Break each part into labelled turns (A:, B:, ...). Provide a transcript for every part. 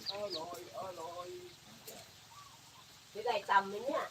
A: จะได้ตำไหมเนี่ย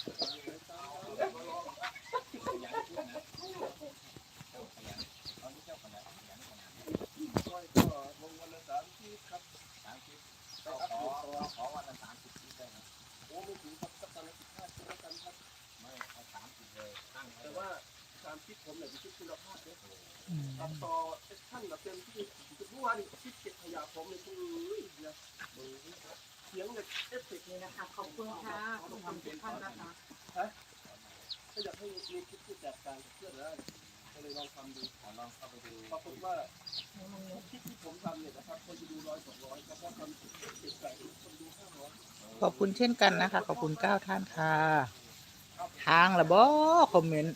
B: แต่ว่าการคิดผมเนี่ยคิดคุณภาพเนี่ยตัดต่อท่านแบบเต็มที่เมื่อวานคิดเก็บขยะผมเลยคือเนี่ยเสียงเนี่ยเอฟเฟกต์
C: นี่นะคะขอบคุณค่ะขอบคุณทุกท่านนะคะ
B: ถ้าอยากให้มีคิดที่แตกต่างจากเพื่อนได้ก็เลยลองทำดูลองเข้าไปดูปรากฏว่าคิดที่ผมทำเนี่ยนะครับคนจะดู100-200แต่พอทำเก็บใส่คนดู500
D: ขอบคุณเช่นกันนะคะขอบคุณ9ท่านค่ะทางละบ่คอมเมนต์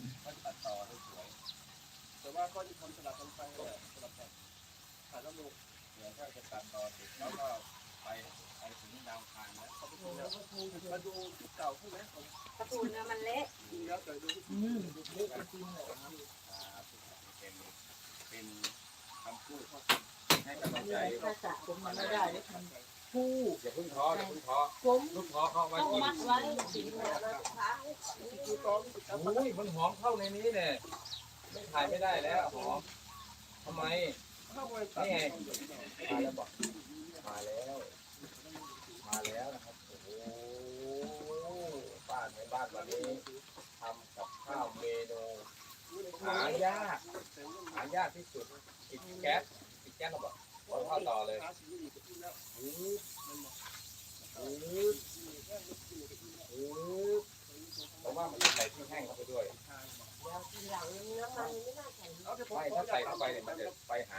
B: แต่ว่าก็จะทำสลับกันไปสลับกันถ่ายแล้วลงเดี๋ยวถ้าจะตัดต่อเสร็จแล้วก็ไปถึงดาวคานแล้วเขาไปดูแล้วมาดูคลิปเก่าใช่ไหม
C: กระตูนเนี่ยมันเละ
B: ดูแล้วแต่ดูเละจริงเลยเป็นคำพูดให้กำลังใจ
A: ภาษาผมมันไม่ได้ผู้
B: อย่าพึ่งท้ออย่าพึ่งท้อ
A: ผม
B: ลูกท้อเข้าไว้
A: ต้อง
B: กิน
A: มัดไว้สีเหลืองแล้วท้ายดูตอน
B: อุ้ยมันหอมเข้าในนี้เนี่ยไม่ถ่ายไม่ได้แล้วหอมทำไมนี่ไงมาแล้วบอกมาแล้วนะครับโอ้โหบ้านในบ้านวันนี้ทำกับข้าวเมนูหายากที่สุดปิดแก๊สเราบอกขอเข้าต่อเลยเพราะว่ามันจะใส่ที่แห้งเข้าไปด้วยไม่ถ้าใส่เข้าไปเนี่ยมันจะไปหา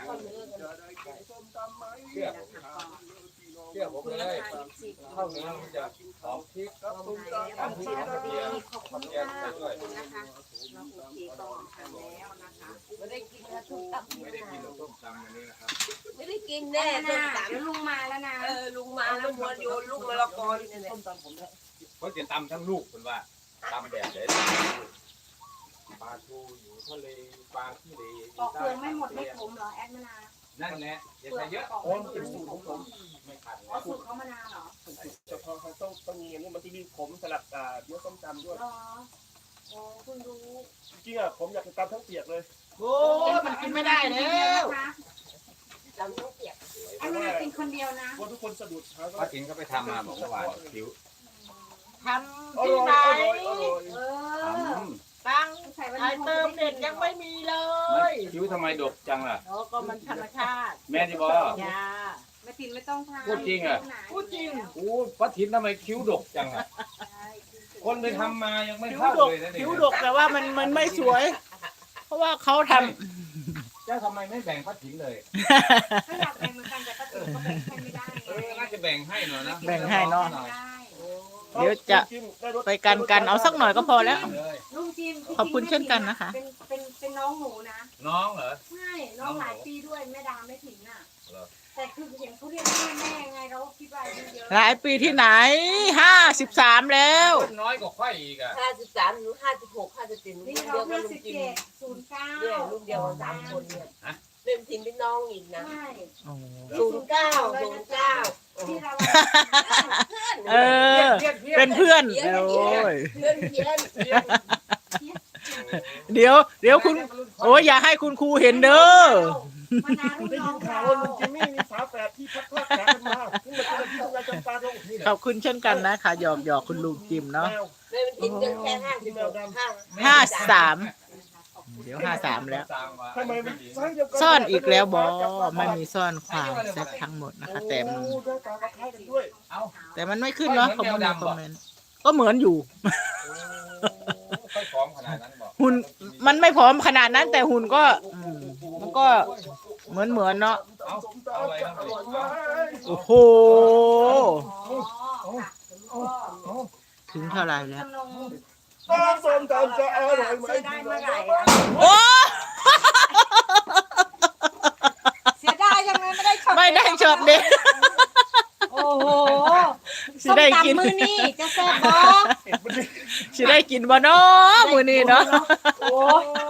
B: เชื่อผมเลยข้าวเนื้อมันจะหอมพริกหอมพริกหอมกระเทียม
C: ขอบคุณค่ะขอบคุณนะคะเราโอเคก็ทำแล้วนะคะ
A: ไม่ได้กินนะทุกตับ
B: ไม่ได้กินต้มตำวันนี้นะครับ
A: ไม่ได้กินแน่ต้มตำ
C: เดี๋ยวลุงมาแล้วนะ
A: ลุงมาแล้วมัวโยนลูกมะละกอนี่เนี่ย
B: เขาจะตำทั้งลูกคุณว่าตำแบบไหนปลาทูอยู่ทะเลปลาที่เล
C: ปอกเปลือกไม่หมดไม่ขมเหรอแอดมะนาว
B: นั่นแหละอย่าใส่เยอะ
C: โอ้มันเป็นสูตรของผม
B: ไม่ขัด
C: อ๋อสูตรเขามะนาวเหรอ
B: เฉพาะเขาต้องมีอย่างนี้มันจะมีผมสลับเนื้อส้มตำด้วย
C: อ๋อโอ้คุณรู้
B: จริงๆอ่ะผมอยากจะตำทั้งเปียกเลย
D: โอ้มันกินไม่ได้แล้ว
A: จำต้องเปียก
C: แอดมะนาวกินคนเดียวนะ
B: ว่าทุกคนสะดุดเขาก็
E: ป้าถินก็ไปทำมาบอกว่าคิ้ว
D: ทำที่ไหน
C: เออ
D: ตัง
C: ใส่วัน
D: ไอ
C: นี้
D: เติมเด็ดยังไม่มีเลย
E: คิ้วทำไมดกจังล่ะ
D: โอ้ก็มันธรรมชาติ
E: แม่ที่บอก
D: ยา
C: แม่ตินไม่ต้องทาน
E: พูดจริงอะ
D: พูดจริง
E: โอ้ป้าถินทำไมคิ้วดกจังอ่ะ คนไปทำมายังไม่
D: คิ้ว
E: เท่า
D: ดก
E: เลยนะเนี่ย
D: คิ้วดกแต่ว่ามันไม่สวย เพราะว่าเขาท
E: เจ้าทำไมไม่แบ่งป้าถินเลย
C: ถ้าอยากแบ่งเหมือนกันแต่ก็ถือก็แบ่งให้ไม่ได้
E: น่าจะแบ่งให้หน่อยนะ
D: ำแบ่งให้เนาะ
C: ได้
D: เดี๋ยวจะไปกันเอาสักหน่อยก็พอแล้ว
E: เลย
C: ลุงจิม
D: ขอบคุณเช่นกันนะคะ
C: เป็นน้องหนูนะ
E: น้องเหรอ
C: ใช่น้องหลายปีด้วยแม่ดาไม่ถึงอ่ะ
E: เหรอ
C: แต่คือเห็นเขาเรียกแม่ไงเราก็คิดว่าอายุเยอะ
D: หลายปีที่ไหน53แล้ว
E: คนน้อยกว่าค่อยอีกอ่ะ
A: 53หรือ56 57
C: นี่
A: ลูก
C: เรา
A: เดียวกั
C: เพื่
A: บ
C: อน
A: ลุง
C: 17
A: จิม
C: 09
A: เนี่ยลูกเดียวกัน3 คนเนี่ยเล่นทีมเป็นน้องอีกนะ
C: ใช่
A: 09
C: ที่เรา
D: เออ เป็นเพื่อนโอ้ย
A: เพื่อนเพี้ยน
D: เดี๋ยวคุณ โอ้ยอย่าให้คุณครูเห็นเด้อ
C: มานานรุ่น
B: ได้
C: น้อ
B: ยิ
C: ง
B: นข่า
C: เรา
B: วว่าลุงจิมมี่มีฝาแฝดที่พัดพลาดแขนมาขึ้นมาเป็นที่ทำงานจำปาดงนี่
D: ขอบคุณเช่นกันนะคะหยอกคุณลุงจิมเนาะ
A: เลยมันกินกันแค่56
D: เดี๋ยว53แล้ว
B: ทำไมมันไซส์เดียวกั
D: ซ่อนอีกแล้วบอไม่มีซ่อนความแซ่บทั้งหมดนะคะ แต่มัน
B: โอ้ได้ตาคล้ายกันด้วย
E: เอา
D: แต่มันไม่ขึ้นเนาะคอมเมนต์ก็เหมือนอยู่
E: ค่อยพร้อมขนาดนั้นบอก
D: หุ่นมันไม่ผอมขนาดนั้น แต่หุ่นก็มันก็เหมือนเนาะ
E: เอาเอาอะไรนะ
B: อร่อยมาก
D: โอ้โห
C: อ๋อค่ะ
D: ถึงเท่าไหร่แล้ว
C: จำลอง
B: ส้มตำจะอร่อยไหม
C: เสียดายเมื่อไหร่
D: โอ้
C: เสียดายยังไงไม่ได้ช็อต
D: ไม่ได้ช็อตเด็ด
C: โอ้โห
D: สิได้กิน
C: ส้มตำมือนี่จะแซ่บบ่
D: สิได้กินบ่เนาะมื้อนี้เนาะ
C: โอ้